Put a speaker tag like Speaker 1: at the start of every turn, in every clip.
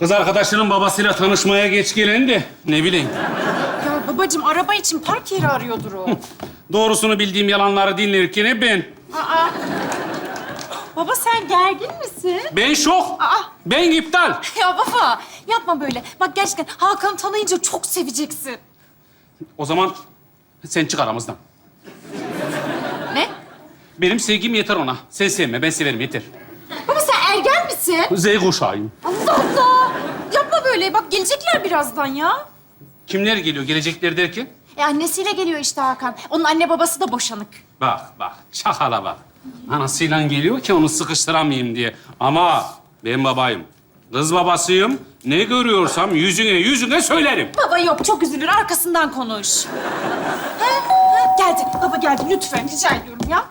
Speaker 1: Kız arkadaşının babasıyla tanışmaya geç gelen de ne bileyim.
Speaker 2: Ya babacığım araba için park yeri arıyordur o.
Speaker 1: Doğrusunu bildiğim yalanları dinlerken ben.
Speaker 2: Aa. Baba sen gergin misin?
Speaker 1: Ben şok.
Speaker 2: Aa.
Speaker 1: Ben iptal.
Speaker 2: Ya baba yapma böyle. Bak gerçekten Hakan'ı tanıyınca çok seveceksin.
Speaker 1: O zaman sen çık aramızdan.
Speaker 2: Ne?
Speaker 1: Benim sevgim yeter ona. Sen sevme, ben severim yeter.
Speaker 2: Baba sen ergen misin?
Speaker 1: Z kuşağıyım.
Speaker 2: Allah Allah. Yapma böyle. Bak gelecekler birazdan ya.
Speaker 1: Kimler geliyor? Gelecekler derken?
Speaker 2: Annesiyle geliyor işte Hakan. Onun anne babası da boşanık.
Speaker 1: Bak, çakala bak. Anasıyla geliyor ki onu sıkıştıramayayım diye. Ama ben babayım. Kız babasıyım. Ne görüyorsam yüzüne söylerim.
Speaker 2: Baba yok çok üzülür. Arkasından konuş. Geldi. Baba geldi. Lütfen rica ediyorum ya.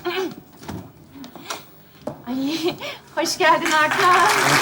Speaker 2: Ay hoş geldin Hakan.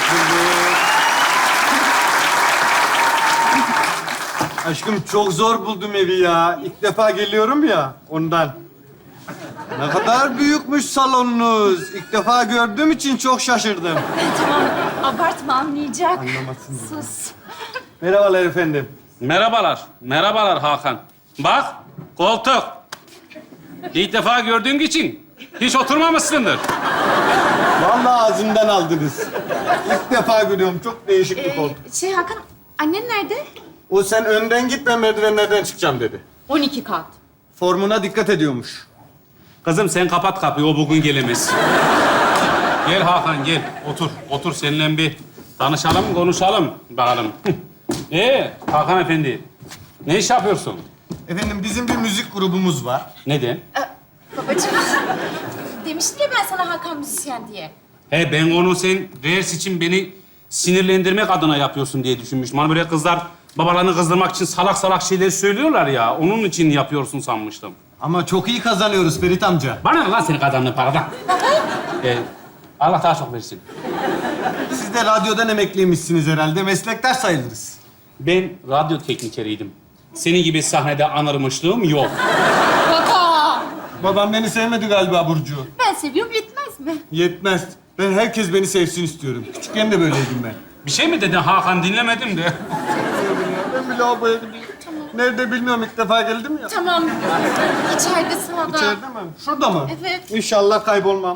Speaker 3: Aşkım çok zor buldum evi ya. İlk defa geliyorum ya ondan. Ne kadar büyükmüş salonunuz. İlk defa gördüğüm için çok şaşırdım.
Speaker 2: Tamam abartma anlayacak.
Speaker 3: Anlamasın diye.
Speaker 2: Sus.
Speaker 3: Merhabalar efendim.
Speaker 1: Merhabalar Hakan. Bak, koltuk. İlk defa gördüğüm için hiç oturmamışsındır.
Speaker 3: Vallahi ağzımdan aldınız. İlk defa görüyorum. Çok değişik bir koltuk.
Speaker 2: Hakan annen nerede?
Speaker 3: O sen önden git ben merdivenlerden çıkacağım dedi.
Speaker 2: 12 kat.
Speaker 3: Formuna dikkat ediyormuş.
Speaker 1: Kızım sen kapat kapıyı, o bugün gelemez. Gel Hakan, gel. Otur seninle bir tanışalım, konuşalım bakalım. Hakan Efendi, ne iş yapıyorsun?
Speaker 3: Efendim bizim bir müzik grubumuz var.
Speaker 1: Neden?
Speaker 2: Babacığım demiştim ya ben sana Hakan müzisyen diye.
Speaker 1: Ben onu sen reels için beni sinirlendirmek adına yapıyorsun diye düşünmüştüm. Hani böyle kızlar babalarını kızdırmak için salak şeyler söylüyorlar ya. Onun için yapıyorsun sanmıştım.
Speaker 3: Ama çok iyi kazanıyoruz Ferit amca.
Speaker 1: Bana ne lan senin kazandığın paradan? Allah daha çok versin.
Speaker 3: Siz de radyodan emekliymişsiniz herhalde. Meslektaş sayılırız.
Speaker 1: Ben radyo teknikeriydim. Senin gibi sahnede anırmışlığım yok.
Speaker 2: Baba!
Speaker 3: Babam beni sevmedi galiba Burcu.
Speaker 2: Ben seviyorum yetmez mi?
Speaker 3: Yetmez. Ben herkes beni sevsin istiyorum. Küçükken de böyleydim ben.
Speaker 1: Bir şey mi dedin Hakan? Dinlemedim de.
Speaker 3: Ben bir lavaboya gideyim. Nerede bilmiyorum. İlk defa geldim ya.
Speaker 2: Tamam. İçeride sağda.
Speaker 3: İçeride mi? Şurada mı?
Speaker 2: Evet.
Speaker 3: İnşallah kaybolmam.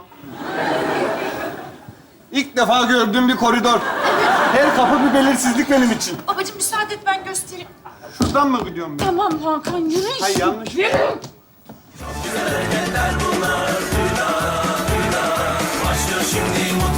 Speaker 3: İlk defa gördüğüm bir koridor. Her kapı bir belirsizlik benim için.
Speaker 2: Babacığım müsaade et ben göstereyim.
Speaker 3: Şuradan mı gidiyorum ben?
Speaker 2: Tamam Hakan yürü.
Speaker 3: Hayır yanlış.
Speaker 4: Başlıyor şimdi mutlu